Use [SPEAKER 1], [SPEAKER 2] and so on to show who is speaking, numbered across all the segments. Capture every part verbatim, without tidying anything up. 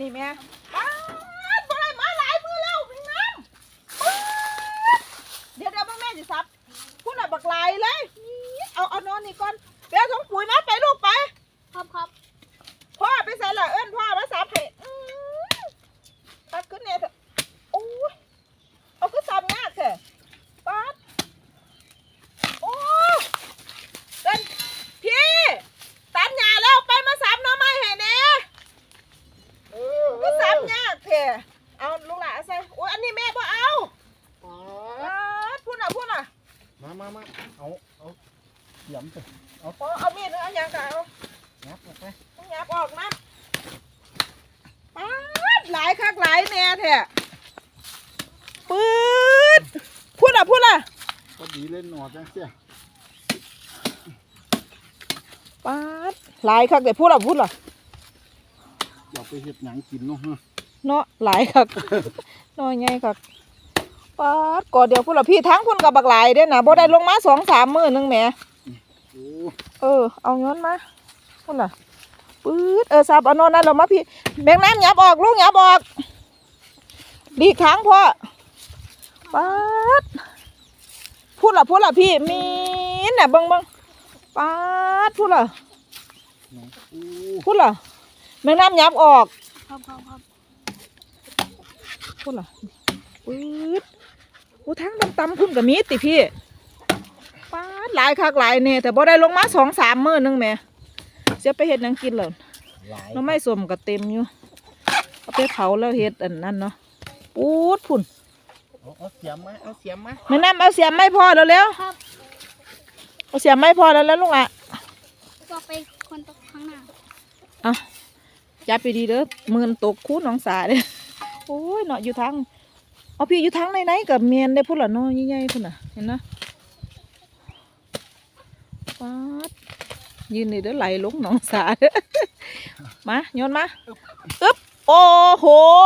[SPEAKER 1] นี่แม่ป้าดบ่ได้มาหลายมือแล้วพี่น้ำป๊าดเดี๋ยวเดี๋ยวแม่จะซับคุณอ่ะบักลายเลยเอาเอานอนนี่ก่อนเดี๋ยวถุงปุ๋ยมาไปลูกไปครับครับพ่อไปใส่ละเอิ้นพ่อมาซับให้ตัดขึ้นเนี่ยเถอะโอ้ยเอาขึ้นซับงาเถอะป้าดโอ้เดินพี่ตัดหญ้าแล้วไปมาซับน้องไม้ให้แน่ก็ซับงาเถอะเอาลูกหลานใส่โอ้ยอันนี้แม่บ่เอาป้าดพูดน่ะพูดน่ะ
[SPEAKER 2] มามามาเอาเอาหย่ำสิ
[SPEAKER 1] เอาเอามีดหรือเอาอย่างกันเอา
[SPEAKER 2] งับออกไป
[SPEAKER 1] งับออกนะป๊าดหลายคักหลายแน่แท้ปื๊ดพูดอ่ะพูดอ่ะ
[SPEAKER 2] ก็ดีเล่นหนอจังเสีย
[SPEAKER 1] ป๊าดหลายคักแต่พูดอ่ะพูดอ่ะ
[SPEAKER 2] อย่าไปเห็ดหนังกินเนาะฮะ
[SPEAKER 1] เนาะหลายคักน้อยไงคักป๊าดก่อนเดี๋ยวพูดอ่ะพี่ทั้งคุณกับบักหลายเด้นะบ่ได้ลงมาสองสามมื้อนึงแหมเออเอาเงินมาพูดอ่ะปื๊ดเออซับเอานอนนั่นเรามาพี่แบงน้ำหยับออกลูกหยับออกดีครั้งพ่อป๊าดพูดละพูดละพี่มีน่ะบังบังป๊าดพูดละพูดละแบงน้ำหยับออกครับครับครับพูดละปื๊ดกูทั้งดำตำพุ่นกับมีดติพี่ป๊าดหลายคักหลายเนี่ยแต่บ่ได้ลงมาสองสามมื้อนึงแม่เสียไปเห็ดนังกินเลยน้ำไม่สมกับเต็มอยู่เอาไปเผาแล้วเห็ดอันนั้นเนาะปูดพุ่น
[SPEAKER 2] เอาเสียมไหมเอาเสียมไหม
[SPEAKER 1] แม่น้ำเอาเสียมไม่พอแล้วแล้วเอาเสียมไม่พอแล้วแล้วลุงอ่ะ
[SPEAKER 3] ก็ไปคนตกข้างหน้า
[SPEAKER 1] อ่ะจับไปดีเด้อมือตกคู่น้องสาเด้โอ้ยเนาะอยู่ทางเอาพี่อยู่ทางไหนๆกับเมียนได้พุ่นละเนาะใหญ่ๆพุ่นน่ะเห็นนะป๊าดยืนนี่เด้อไหลลงหนองสาเด้อมาโยนมาอึ๊บโอ้โห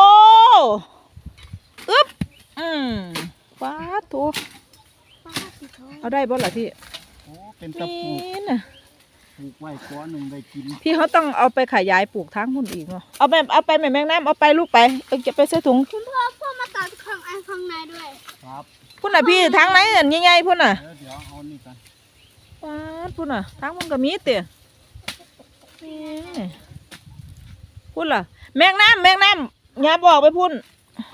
[SPEAKER 1] อึ๊บอืมป้าถูเอาได้บ่ล่ะพี่
[SPEAKER 2] โอ้เป็นตะปู
[SPEAKER 1] น่ะ
[SPEAKER 2] ปลูกไว้ก้อนหนึ่งได้กิน
[SPEAKER 1] พี่เขาต้องเอาไปขยายปลูกทั้งหุ่นอีกเนาะเอาไปเอาไปแม่แมงน้ำเอาไปลูกไปเออจะไปใส่ถุง
[SPEAKER 3] คุณพ่อพ่อมาตัดข้างไอ้ข้างในด้วย
[SPEAKER 2] ครับ
[SPEAKER 1] พุ่นน่ะพี่ทั้งไหนอันใหญ่ๆพุ่นน่ะ
[SPEAKER 2] เดี๋ยวเอานี่กัน
[SPEAKER 1] ป้าพุ่นน่ะทั้งมันก็มีเตี๋ยพุ่นล่ะแมงน้ำแมงน้ำอย่าบอกไปพุ่น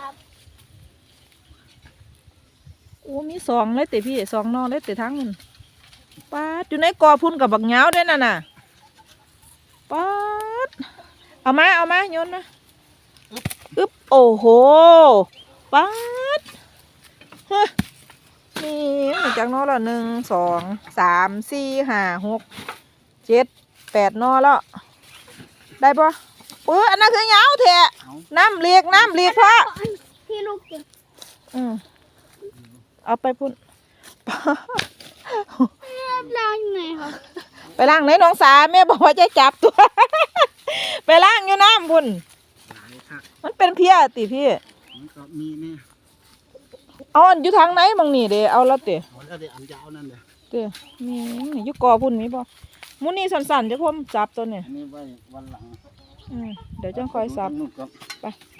[SPEAKER 1] โอ้มีสองเลยเต๋พี่สองนอเลยเต๋ทั้งมันป้าอยู่ในกอพุ่นกับบักเหงาด้วยน่ะน่ะป้าเอามาเอามาโยนนะอึ๊บโอ้โหป้าเฮ้ยนี่มาจากนอละหนึ่งสองสามสี่ห้าหกเจ็ดแปดนอแล้วได้ปะเอออันนั้นคือเหงาเถอะน้ำเลียกน้ำเลียกพ่อ
[SPEAKER 3] พี่ลูกเก็บ
[SPEAKER 1] อืมเอาไปพุ่น
[SPEAKER 3] ล้างยังไงคะ
[SPEAKER 1] ไปล้างไหนน้องสาแม่บอกว่าจะจับตัวไปล้างอยู่น้ำพุ่นมันเป็นเพี้ยติพี่
[SPEAKER 2] มันก็มีนี่
[SPEAKER 1] เอาอยู่ทางไหนบางนี่เดี๋ยวเอาแล้วเต๋
[SPEAKER 2] เอาแล้วเดี๋ยวอันยาวนั่นเดี๋ยว
[SPEAKER 1] เต๋มีอยู่กอพุ่นมีป่ะมุนี่สันๆจะพ่อมจับตัวเนี่ย
[SPEAKER 2] อันนี้ไว้วันหลัง
[SPEAKER 1] อืมเดี๋ยวจะคอยสับ
[SPEAKER 2] ไป